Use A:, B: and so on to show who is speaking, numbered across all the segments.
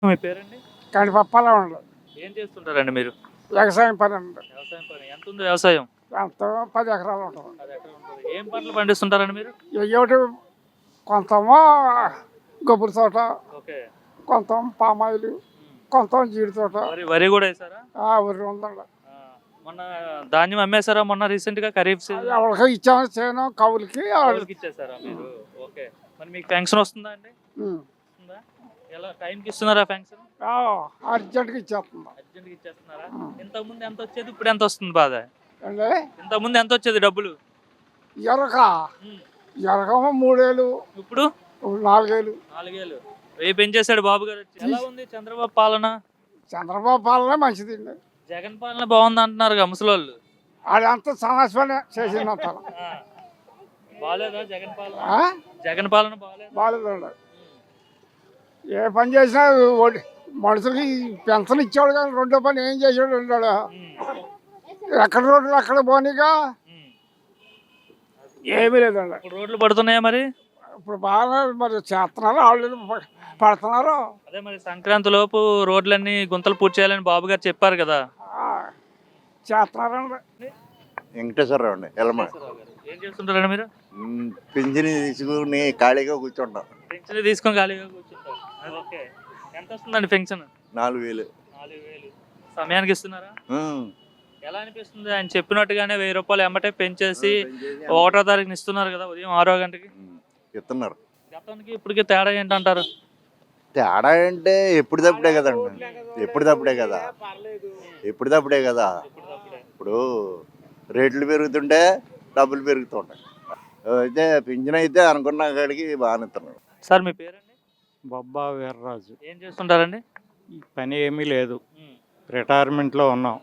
A: మీ పేరండి?
B: కానీ పప్పాలా ఉండదు.
A: ఏం చేస్తుంటారండి మీరు?
B: వ్యవసాయం పని ఉంది.
A: వ్యవసాయం పని. ఎంతుంది వ్యవసాయం?
B: ఎంత 10 ఎకరాలు ఉంటుంది.
A: 10 ఎకరాలు ఉంటది. ఏం పంటలు పండిస్తుంటారండి మీరు?
B: ఒకటి కొంతమో కొబ్బరి తోట,
A: ఓకే.
B: కొంత పామాయిలు, కొంత జీడి తోట,
A: వరి కూడా వేసారా?
B: ఊరి ఉందండి.
A: మొన్న ధాన్యం అమ్మేశారా మొన్న రీసెంట్ గా ఖరీఫ్ సీజన్?
B: ఎవరికి ఇచ్చాము చేయను కవులకి.
A: వాళ్ళకి ఇచ్చేసారా మీరు? ఓకే. మరి మీకు పెన్షన్ వస్తుందా అండి? వస్తుందా? ఎలా టైంకి ఇస్తున్నారా పెన్షన్?
B: అర్జెంట్గా ఇచ్చేస్తుంది.
A: అర్జెంట్గా ఇచ్చేస్తున్నారా? ఇంతకు ముందు ఎంత వచ్చేది, ఇప్పుడు ఎంత వస్తుంది బాధ?
B: అంటే
A: ఇంతకు ముందు ఎంత వచ్చేది డబ్బులు?
B: ఎరక 3000,
A: ఇప్పుడు
B: 4000.
A: 4000. వెయ్యి పెంచేశాడు బాబు గారు వచ్చి. ఎలా ఉంది చంద్రబాబు పాలన?
B: చంద్రబాబు పాలనే మంచిది.
A: జగన్ పాలన బాగుంది అంటున్నారు ముసలోళ్ళు.
B: అదంతా సమస్యనే చేసిందంత.
A: బాగాలేదా జగన్ పాలన? జగన్ పాలన
B: బాగాలేదండి. ఏ పని చేసినా మనుషులకి పెన్షన్ ఇచ్చాడు కానీ రెండో పని ఏం చేసాడు ఉన్నాడు. ఎక్కడ రోడ్లు అక్కడ పోనీగా ఏమీ లేదండి.
A: రోడ్లు పడుతున్నాయా మరి?
B: ఇప్పుడు బాగా మరి చేస్తున్నారు, వాళ్ళు పడుతున్నారు.
A: అదే మరి సంక్రాంతి లోపు రోడ్లన్నీ గుంతలు పూర్తి చేయాలని బాబు గారు చెప్పారు కదా,
B: చేస్తున్నారండి.
C: వెంకటేశ్వరరావు అండి.
A: ఏం చేస్తుంటారండి మీరు?
C: పింఛని తీసుకుని ఖాళీగా కూర్చుంటాం.
A: పెన్షన్ తీసుకొని ఖాళీగా కూర్చుంటారు. ఓకే. ఎంత వస్తుందండి పెన్షన్?
C: 4000.
A: 4000 సమయానికి ఇస్తున్నారా? ఎలా అనిపిస్తుంది? ఆయన చెప్పినట్టుగానే 1000 రూపాయలు ఎమ్మటే పెంచేసి 1వ తారీఖున ఇస్తున్నారు కదా, ఉదయం 6 గంటకి
C: ఇస్తున్నారు.
A: గతానికి ఇప్పటికి తేడా ఏంటంటారు?
C: తేడా అంటే ఎప్పటిదప్పుడే కదండి. ఎప్పటిదప్పుడే కదా. ఇప్పుడు రేట్లు పెరుగుతుంటే డబ్బులు పెరుగుతుంటాయి. అయితే పింఛన్ అయితే అనుకున్న కాడికి బాగానే ఇస్తున్నాడు.
A: సార్ మీ పేరండి?
D: బొబ్బా వీర్రాజు.
A: ఏం చేస్తుంటారండి?
D: ఈ పని ఏమీ లేదు, రిటైర్మెంట్లో ఉన్నాం.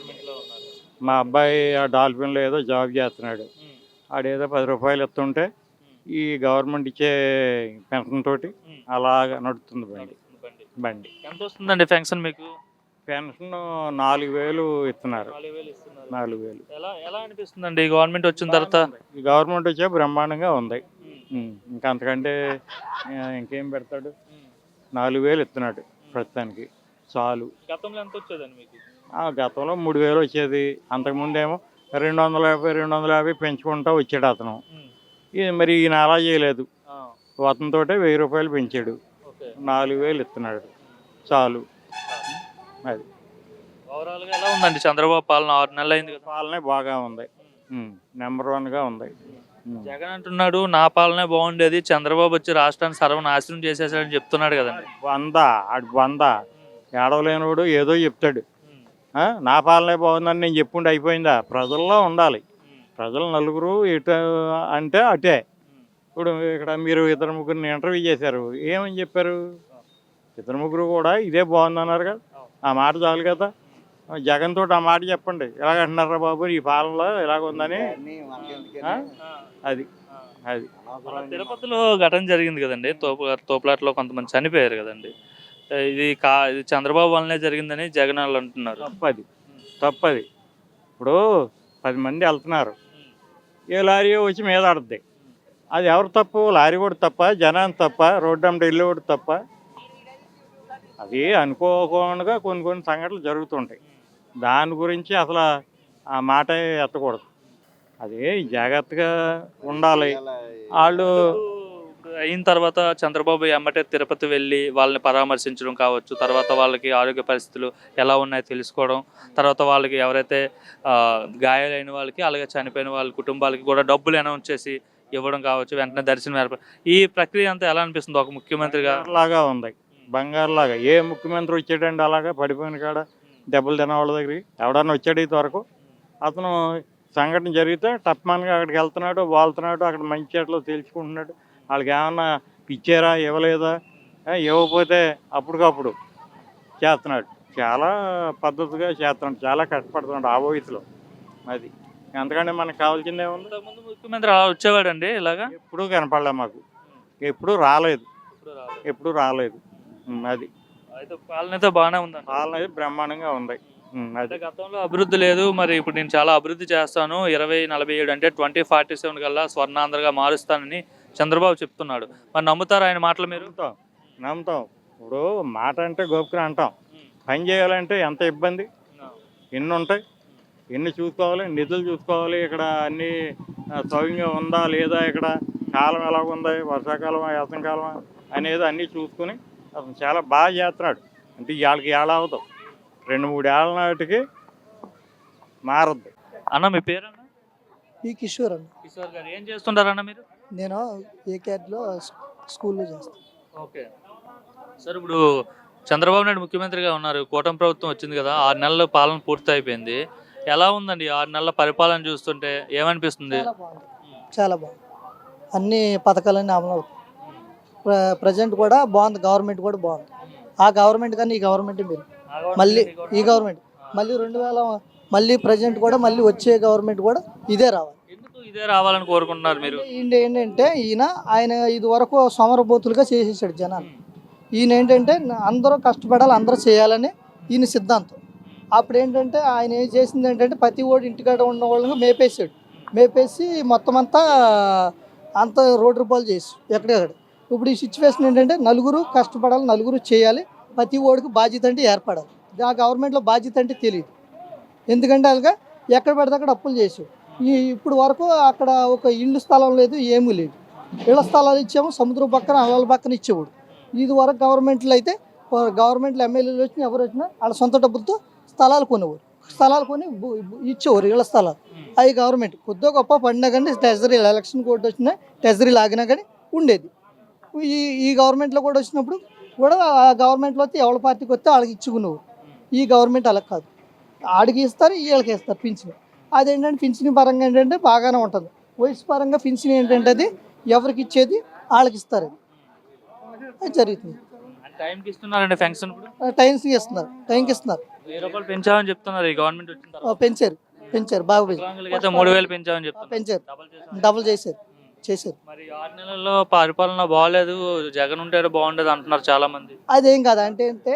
D: మా అబ్బాయి ఆ డాల్ఫిన్లో ఏదో జాబ్ చేస్తున్నాడు. ఆడేదో 10 రూపాయలు ఇస్తుంటే ఈ గవర్నమెంట్ ఇచ్చే పెన్షన్ తోటి అలాగా నడుస్తుంది బండి.
A: ఎంత వస్తుందండి పెన్షన్ మీకు?
D: పెన్షన్ 4000 ఇస్తున్నారు. 4000.
A: ఎలా అనిపిస్తుందండి గవర్నమెంట్ వచ్చిన తర్వాత?
D: ఈ గవర్నమెంట్ వచ్చే బ్రహ్మాండంగా ఉంది. ఇంకా అంతకంటే ఇంకేం పెడతాడు? 4000 ఇస్తున్నాడు ప్రస్తుతానికి, చాలు.
A: గతంలో ఎంత వచ్చేదండి మీకు?
D: గతంలో 3000 వచ్చేది. అంతకుముందేమో 250 పెంచుకుంటూ వచ్చాడు అతను. మరి ఈయన అలా చేయలేదు, అతనితో 1000 రూపాయలు పెంచాడు, 4000 ఇస్తున్నాడు, చాలు. అది
A: ఓవరాల్గా ఎలా ఉందండి చంద్రబాబు పాలన? 6 నెలలు అయింది కదా.
D: పాలనే బాగా ఉంది, నెంబర్ 1గా ఉంది.
A: జగన్ అంటున్నాడు నా పాలనే బాగుండేది, చంద్రబాబు వచ్చి రాష్ట్రాన్ని సర్వనాశనం చేసేసాడని చెప్తున్నాడు కదండి.
D: వంద ఏడవలేనివాడు ఏదో చెప్తాడు. నా పాలనే బాగుందని నేను చెప్పుకుంటే అయిపోయిందా? ప్రజల్లో ఉండాలి. ప్రజలు నలుగురు ఇటు అంటే అటే. ఇప్పుడు ఇక్కడ మీరు 2-3 ఇంటర్వ్యూ చేశారు, ఏమని చెప్పారు? 2-3 కూడా ఇదే బాగుందన్నారు కదా. ఆ మాట చాలు కదా. జగన్ తోటి ఆ మాట చెప్పండి, ఎలాగంటున్నారా బాబు ఈ పాలనలో ఇలాగుందని. అది అది
A: తిరుపతిలో ఘటన జరిగింది కదండి, తోపులాట్లో కొంతమంది చనిపోయారు కదండి. ఇది చంద్రబాబు వల్లనే జరిగిందని జగన్ వాళ్ళు అంటున్నారు.
D: తప్పది. ఇప్పుడు 10 మంది వెళ్తున్నారు, ఏ లారీ వచ్చి మీద ఆడుద్ది. అది ఎవరు తప్పు? లారీ కూడా తప్ప, జనాన్ని తప్ప, రోడ్డు అంటే ఇల్లు కూడా తప్ప? అది అనుకోకుండా కొన్ని సంఘటనలు జరుగుతుంటాయి. దాని గురించి అసలు ఆ మాట ఎత్తకూడదు. అది జాగ్రత్తగా ఉండాలి. వాళ్ళు
A: అయిన తర్వాత చంద్రబాబు ఎమ్మటే తిరుపతి వెళ్ళి వాళ్ళని పరామర్శించడం కావచ్చు, తర్వాత వాళ్ళకి ఆరోగ్య పరిస్థితులు ఎలా ఉన్నాయో తెలుసుకోవడం, తర్వాత వాళ్ళకి ఎవరైతే గాయాలైన వాళ్ళకి అలాగే చనిపోయిన వాళ్ళ కుటుంబాలకి కూడా డబ్బులు అనౌన్స్ చేసి ఇవ్వడం కావచ్చు, వెంటనే దర్శనం ఏర్పడి, ఈ ప్రక్రియ అంతా ఎలా అనిపిస్తుంది ఒక ముఖ్యమంత్రిగా?
D: లాగా ఉంది, బంగారులాగా. ఏ ముఖ్యమంత్రి వచ్చాడండి అలాగా పడిపోయిన కాడ దెబ్బలు తినవాళ్ళ దగ్గరికి? ఎవడన్నా వచ్చాడు ఇంతవరకు? అతను సంఘటన జరిగితే టప్మాన్గా అక్కడికి వెళ్తున్నాడు, వాళ్తున్నాడు, అక్కడ మంచి చెట్లు తేల్చుకుంటున్నాడు. వాళ్ళకి ఏమన్నా ఇచ్చారా, ఇవ్వలేదా? ఇవ్వకపోతే అప్పటికప్పుడు చేస్తున్నాడు. చాలా పద్ధతిగా చేస్తున్నాడు, చాలా కష్టపడుతున్నాడు ఆ వయసులో. అది అంతకంటే మనకు కావాల్సిందే ఉంది.
A: ముందు ముఖ్యమంత్రి అలా వచ్చేవాడండి ఇలాగా?
D: ఎప్పుడూ కనపడలే మాకు, ఎప్పుడూ రాలేదు. అది
A: అయితే పాలన అయితే బాగానే ఉంది.
D: పాలన అయితే బ్రహ్మాండంగా ఉంది.
A: అయితే గతంలో అభివృద్ధి లేదు, మరి ఇప్పుడు నేను చాలా అభివృద్ధి చేస్తాను, 2047 అంటే 2047 కల్లా స్వర్ణాంధ్రగా మారుస్తానని చంద్రబాబు చెప్తున్నాడు. మరి నమ్ముతారు ఆయన మాటలు? మీరు
D: నమ్ముతాం. ఇప్పుడు మాట అంటే గోపుకుని అంటాం, పని చేయాలంటే ఎంత ఇబ్బంది, ఎన్ని ఉంటాయి, ఎన్ని చూసుకోవాలి, నిధులు చూసుకోవాలి, ఇక్కడ అన్నీ సౌకర్యంగా ఉందా లేదా, ఇక్కడ కాలం ఎలా ఉంది, వర్షాకాలం వేసంకాలం అనేది అన్నీ చూసుకుని అతను చాలా బాగా చేస్తున్నాడు. అంటే వాళ్ళకి ఏళ్ళ అవుతాం, 2-3 ఏళ్ళ నాటికి మారద్దు.
A: అన్న మీ పేరన్న?
E: ఈ కిషోర్ అన్న.
A: కిషోర్ గారు ఏం చేస్తుంటారన్న మీరు?
E: నేను ఏకేట్లో స్కూల్లో చేస్తాను.
A: ఓకే సార్, ఇప్పుడు చంద్రబాబు నాయుడు ముఖ్యమంత్రిగా ఉన్నారు, కూటమి ప్రభుత్వం వచ్చింది కదా, 6 నెలల పాలన పూర్తి అయిపోయింది. ఎలా ఉందండి 6 నెలల పరిపాలన చూస్తుంటే ఏమనిపిస్తుంది?
E: చాలా బాగుంది, చాలా బాగుంది. అన్ని పథకాలన్నీ అమలు అవుతాయి. ప్రజెంట్ కూడా బాగుంది, గవర్నమెంట్ కూడా బాగుంది. ఆ గవర్నమెంట్ కానీ ఈ గవర్నమెంట్ మీరు మళ్ళీ ఈ గవర్నమెంట్ మళ్ళీ 2000 మళ్ళీ ప్రజెంట్ కూడా మళ్ళీ వచ్చే గవర్నమెంట్ కూడా ఇదే రావాలి.
A: ఎందుకు ఇదే రావాలని కోరుకుంటున్నారు మీరు?
E: ఏంటంటే ఆయన ఇది వరకు సోమరబోతులుగా చేసేసాడు జనాలు. ఈయన ఏంటంటే అందరూ కష్టపడాలి, అందరూ చేయాలని ఈయన సిద్ధాంతం. అప్పుడు ఏంటంటే ఆయన ఏం చేసింది ఏంటంటే ప్రతి ఓడి ఇంటికాడ ఉన్న వాళ్ళని మేపేసాడు. మేపేసి మొత్తం అంతా రోడ్డు రూపాయలు చేసి ఎక్కడెక్కడ. ఇప్పుడు ఈ సిచ్యువేషన్ ఏంటంటే నలుగురు కష్టపడాలి, నలుగురు చేయాలి, ప్రతి ఓడికి బాధ్యత అంటే ఏర్పడాలి. ఆ గవర్నమెంట్లో బాధ్యత అంటే తెలియదు. ఎందుకంటే అలాగా ఎక్కడ పడితే అక్కడ అప్పులు చేసాడు. ఇప్పుడు వరకు అక్కడ ఒక ఇల్లు స్థలం లేదు, ఏమీ లేదు. ఇళ్ల స్థలాలు ఇచ్చాము, సముద్రం పక్కన అలల పక్కన ఇచ్చేవాడు. ఇది వరకు గవర్నమెంట్లో అయితే గవర్నమెంట్లో ఎమ్మెల్యేలు వచ్చినా ఎవరు వచ్చినా వాళ్ళ సొంత డబ్బులతో స్థలాలు కొనేవారు. స్థలాలు కొని ఇచ్చేవారు ఇళ్ల స్థలాలు. అవి గవర్నమెంట్ కొద్దిగా గొప్ప పడినా కానీ ట్రెజరీ ఎలక్షన్ కోర్టు వచ్చినా ట్రెజరీ లాగినా కానీ ఉండేది. ఈ గవర్నమెంట్లో కూడా వచ్చినప్పుడు కూడా ఆ గవర్నమెంట్లో వస్తే ఎవరి పార్టీకి వస్తే వాళ్ళకి ఇచ్చుకునేవారు. ఈ గవర్నమెంట్ అలా కాదు, ఆడికి ఇస్తారు, వీళ్ళకి ఇస్తారు పింఛను. అదేంటంటే పింఛన్ పరంగా ఏంటంటే బాగానే ఉంటుంది. వయసు పరంగా పింఛన్ ఏంటంటే అది ఎవరికి ఇచ్చేది వాళ్ళకి ఇస్తారు. అది జరుగుతుంది.
A: టైంకి ఇస్తున్నారండి పెన్షన్?
E: టైంకి ఇస్తున్నారు, టైంకి ఇస్తున్నారు.
A: 1000 రూపాయలు పెంచామని చెప్తున్నారు ఈ గవర్నమెంట్ వచ్చిన తర్వాత.
E: పెంచారు బాగా
A: వికలాంగులకైతే 3000 పెంచామని చెప్తున్నారు.
E: పెంచారు, డబుల్ చేశారు.
A: మరి 6 నెలల్లో పరిపాలన బాగాలేదు, జగన్ ఉంటే బాగుండేది అంటున్నారు చాలా మంది.
E: అదేం కాదు అంటే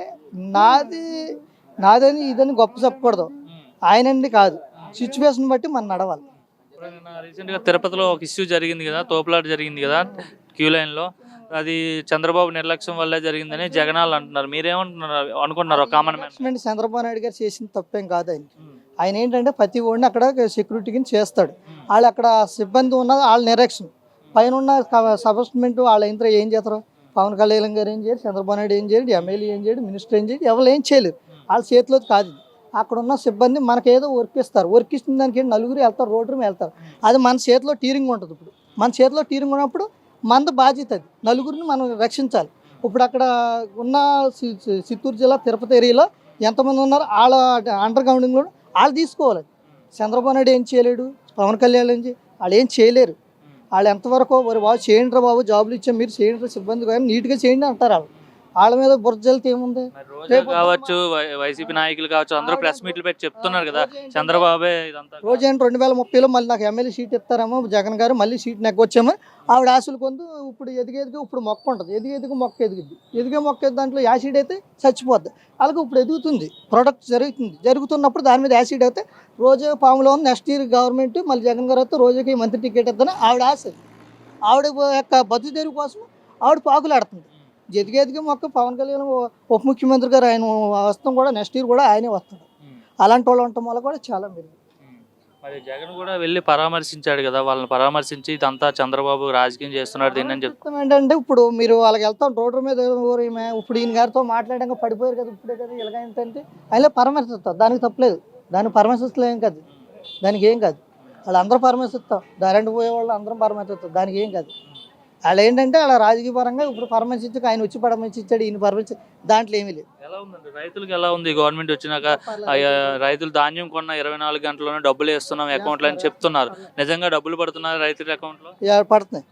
E: నాదని ఇదని గొప్ప చెప్పకూడదు, ఆయనండి కాదు, సిచ్యువేషన్ బట్టి మనం నడవాలి.
A: రీసెంట్గా తిరుపతిలో ఒక ఇష్యూ జరిగింది కదా, తోపులాట జరిగింది కదా క్యూ లైన్లో, అది చంద్రబాబు నిర్లక్ష్యం వల్లే జరిగిందని జగనాలు అంటున్నారు. మీరేమంటున్నారు అనుకుంటున్నారు? కామన్ మ్యాన్
E: చంద్రబాబు నాయుడు గారు చేసిన తప్పేం కాదు. ఆయన ఏంటంటే ప్రతి ఓడిని అక్కడ సెక్యూరిటీకి చేస్తాడు. వాళ్ళు అక్కడ సిబ్బంది ఉన్నది వాళ్ళ నిరీక్షణ పైన ఉన్న సబ్స్టిట్యూట్ వాళ్ళ ఇంట్లో ఏం చేస్తారు? పవన్ కళ్యాణ్ గారు ఏం చేయరు, చంద్రబాబు నాయుడు ఏం చేయడు, ఎమ్మెల్యే ఏం చేయడు, మినిస్టర్ ఏం చేయడు, ఎవరు ఏం చేయలేరు. వాళ్ళ చేతిలో కాదు. అక్కడ ఉన్న సిబ్బంది మనకేదో వర్క్ ఇస్తారు. వర్క్ ఇచ్చిన దానికి నలుగురు వెళ్తారు, రోడ్డు మీద వెళ్తారు. అది మన చేతిలో టీరింగ్ ఉంటుంది. ఇప్పుడు మన చేతిలో టీరింగ్ ఉన్నప్పుడు మన బాధ్యత అది, నలుగురిని మనం రక్షించాలి. ఇప్పుడు అక్కడ ఉన్న చిత్తూరు జిల్లా తిరుపతి ఏరియాలో ఎంతమంది ఉన్నారు వాళ్ళ అండర్ గ్రౌండింగ్లో వాళ్ళు తీసుకోవాలి. చంద్రబాబు నాయుడు ఏం చేయలేడు, పవన్ కళ్యాణ్ వాళ్ళు ఏం చేయలేరు. వాళ్ళు ఎంతవరకు బాబు చేయండి రా బాబు, జాబులు ఇచ్చాం మీరు చేయండి, సిబ్బంది కానీ నీట్గా చేయండి అంటారు. వాళ్ళ మీద బుర్జలతో ఏముంది?
A: కావచ్చు, వైసీపీ నాయకులు కావచ్చు, అందరూ ప్రెస్ మీట్లు పెట్టి చెప్తున్నారు కదా చంద్రబాబే ఇదంతా.
E: రోజేంటి 2030లో మళ్ళీ నాకు ఎమ్మెల్యే సీట్ ఇస్తారేమో జగన్ గారు, మళ్ళీ సీట్ నెగ్గొచ్చామో ఆవిడ ఆశలు కొందు. ఇప్పుడు ఎదిగేదిగా ఇప్పుడు మొక్క ఉంటుంది, ఎదిగేదిగా మొక్క ఎదిగిద్ది. ఎదిగే మొక్క దాంట్లో యాసిడ్ అయితే చచ్చిపోద్ది. అలాగే ఇప్పుడు ఎదుగుతుంది, ప్రొడక్ట్ జరుగుతున్నప్పుడు దాని మీద యాసిడ్ అయితే రోజే పాములో ఉంది. నెక్స్ట్ ఇయర్ గవర్నమెంట్ మళ్ళీ జగన్ గారు వస్తే రోజుకి మంత్రి టికెట్ ఇద్దని ఆవిడ ఆశ. ఆవిడ యొక్క బతుకు తెరుగు కోసం ఆవిడ పాకులాడుతుంది. ఎదిగేదిగా మొక్క పవన్ కళ్యాణ్ ఉప ముఖ్యమంత్రి గారు ఆయన వస్తాం కూడా నెక్స్ట్ ఇయర్ కూడా ఆయనే వస్తాడు. అలాంటి వాళ్ళు ఉండటం వల్ల కూడా చాలా మెరుగు.
A: మరి జగన్ కూడా వెళ్ళి పరామర్శించాడు కదా, వాళ్ళని పరామర్శించి ఇదంతా చంద్రబాబు రాజకీయం చేస్తున్నాడు దీన్ని అని చెప్తాను.
E: ఏంటంటే ఇప్పుడు మీరు వాళ్ళకి వెళ్తాం రోడ్డు మీద, ఇప్పుడు ఈయన గారితో మాట్లాడాక పడిపోయారు కదా, ఇప్పుడే కదా ఇలాగ ఏంటంటే ఆయన పరామర్శిస్తారు. దానికి తప్పలేదు, దానికి పరామర్శిస్తలేం కాదు, దానికి ఏం కాదు. వాళ్ళు అందరూ పరామర్శిస్తాం, దారంటి పోయే వాళ్ళు అందరం పరామర్శిస్తాం, దానికి ఏం కాదు. వాళ్ళు ఏంటంటే అలా రాజకీయ పరంగా ఇప్పుడు పరామర్శించక ఆయన వచ్చి పరామర్శించాడు, ఈయన పరామర్శి దాంట్లో ఏమీ లేదు.
A: ఎలా ఉందండి రైతులకు? ఎలా ఉంది గవర్నమెంట్ వచ్చినాక? రైతులు ధాన్యం కొన్న 24 గంటల్లోనే డబ్బులు వేస్తున్నాం అకౌంట్లో అని చెప్తున్నారు. నిజంగా డబ్బులు పడుతున్నారు రైతుల అకౌంట్లో?
E: పడుతున్నాయి.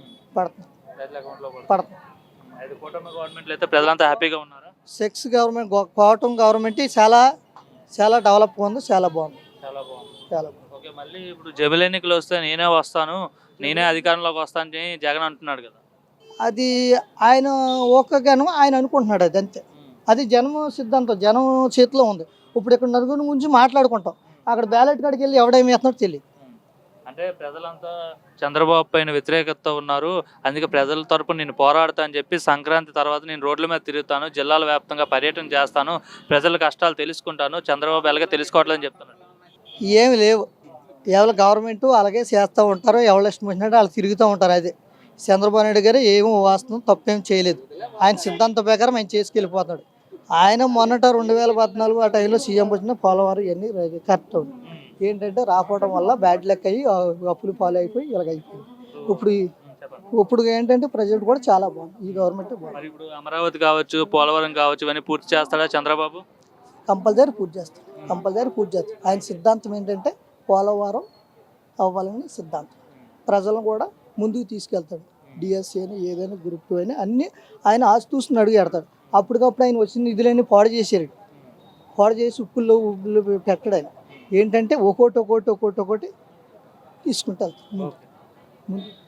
A: కూటమి గవర్నమెంట్ అయితే ప్రజలంతా హ్యాపీగా ఉన్నారా?
E: 6 గవర్నమెంట్ కూటమి గవర్నమెంట్ చాలా చాలా డెవలప్ ఉంది, చాలా బాగుంది.
A: ఓకే, మళ్ళీ ఇప్పుడు జమిలి ఎన్నికలు వస్తే నేనే వస్తాను, నేనే అధికారంలోకి వస్తానని జగన్ అంటున్నాడు కదా.
E: అది ఆయన ఓకేగాను ఆయన అనుకుంటున్నాడు, అది అంతే. అది జనం సిద్ధాంతం, జనం చేతిలో ఉంది. ఇప్పుడు ఇక్కడ నలుగురి గురించి మాట్లాడుకుంటాం, అక్కడ బ్యాలెట్ కాడికి వెళ్ళి ఎవడేమి వేస్తున్నాడో తెలియదు.
A: అంటే ప్రజలంతా చంద్రబాబు పైన వ్యతిరేకత ఉన్నారు, అందుకే ప్రజల తరపున నేను పోరాడతా అని చెప్పి సంక్రాంతి తర్వాత నేను రోడ్ల మీద తిరుగుతాను, జిల్లాల వ్యాప్తంగా పర్యటన చేస్తాను, ప్రజల కష్టాలు తెలుసుకుంటాను, చంద్రబాబు ఎలాగే తెలుసుకోవట్లేదని చెప్తున్నాడు.
E: ఏమి లేవు. ఎవరి గవర్నమెంట్ అలాగే చేస్తూ ఉంటారు, ఎవరు ఇష్టం వచ్చినట్టు వాళ్ళు తిరుగుతూ ఉంటారు. అదే చంద్రబాబు నాయుడు గారు ఏమో వాస్తవం తప్పేం చేయలేదు. ఆయన సిద్ధాంత ప్రకారం ఆయన చేసుకెళ్ళిపోతాడు. ఆయన మొన్నట 2014 ఆ టైంలో సీఎం వచ్చిన పోలవరం ఇవన్నీ కరెక్ట్ ఉంది. ఏంటంటే రాకపోవడం వల్ల బ్యాడ్ లెక్ అయ్యి అప్పులు పాలు అయిపోయి ఇలాగైపోయింది. ఇప్పుడు ఏంటంటే ప్రజెంట్ కూడా చాలా బాగుంది, ఈ గవర్నమెంట్ బాగుంది.
A: మరి ఇప్పుడు అమరావతి కావచ్చు, పోలవరం కావచ్చు, ఇవన్నీ పూర్తి చేస్తాడా చంద్రబాబు?
E: కంపల్సరీ పూర్తి చేస్తాడు. ఆయన సిద్ధాంతం ఏంటంటే పోలవరం అవ్వాలని సిద్ధాంతం. ప్రజలను కూడా ముందుకు తీసుకెళ్తాడు. డిఎస్సీ అని ఏదైనా గ్రూప్ 2 అని అన్నీ ఆయన ఆస్తూస్తుని అడుగు పెడతాడు. అప్పటికప్పుడు ఆయన వచ్చిన నిధులన్నీ పాడు చేసి ఉప్పుల్లో పెట్టాడు. ఆయన ఏంటంటే ఒక్కోటి తీసుకుంటారు ముందు.